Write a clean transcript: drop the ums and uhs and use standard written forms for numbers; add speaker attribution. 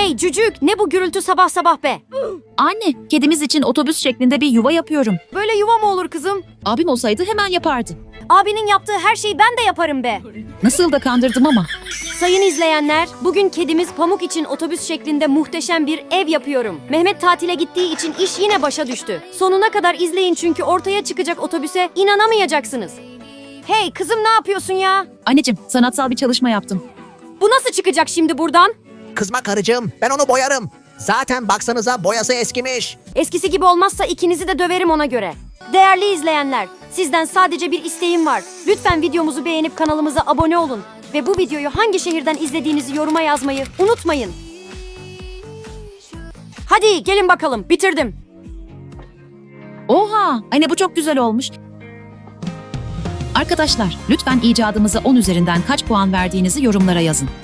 Speaker 1: Hey cücük, ne bu gürültü sabah sabah be?
Speaker 2: Anne, kedimiz için otobüs şeklinde bir yuva yapıyorum.
Speaker 1: Böyle yuva mı olur kızım?
Speaker 2: Abim olsaydı hemen yapardı.
Speaker 1: Abinin yaptığı her şeyi ben de yaparım be.
Speaker 2: Nasıl da kandırdım ama.
Speaker 1: Sayın izleyenler, bugün kedimiz Pamuk için otobüs şeklinde muhteşem bir ev yapıyorum. Mehmet tatile gittiği için iş yine başa düştü. Sonuna kadar izleyin çünkü ortaya çıkacak otobüse inanamayacaksınız. Hey kızım, ne yapıyorsun ya?
Speaker 2: Anneciğim, sanatsal bir çalışma yaptım.
Speaker 1: Bu nasıl çıkacak şimdi buradan?
Speaker 3: Kızma karıcığım, ben onu boyarım. Zaten baksanıza boyası eskimiş.
Speaker 1: Eskisi gibi olmazsa ikinizi de döverim ona göre. Değerli izleyenler, sizden sadece bir isteğim var. Lütfen videomuzu beğenip kanalımıza abone olun. Ve bu videoyu hangi şehirden izlediğinizi yoruma yazmayı unutmayın. Hadi gelin bakalım, bitirdim.
Speaker 2: Oha! Anne bu çok güzel olmuş. Arkadaşlar, lütfen icadımıza 10 üzerinden kaç puan verdiğinizi yorumlara yazın.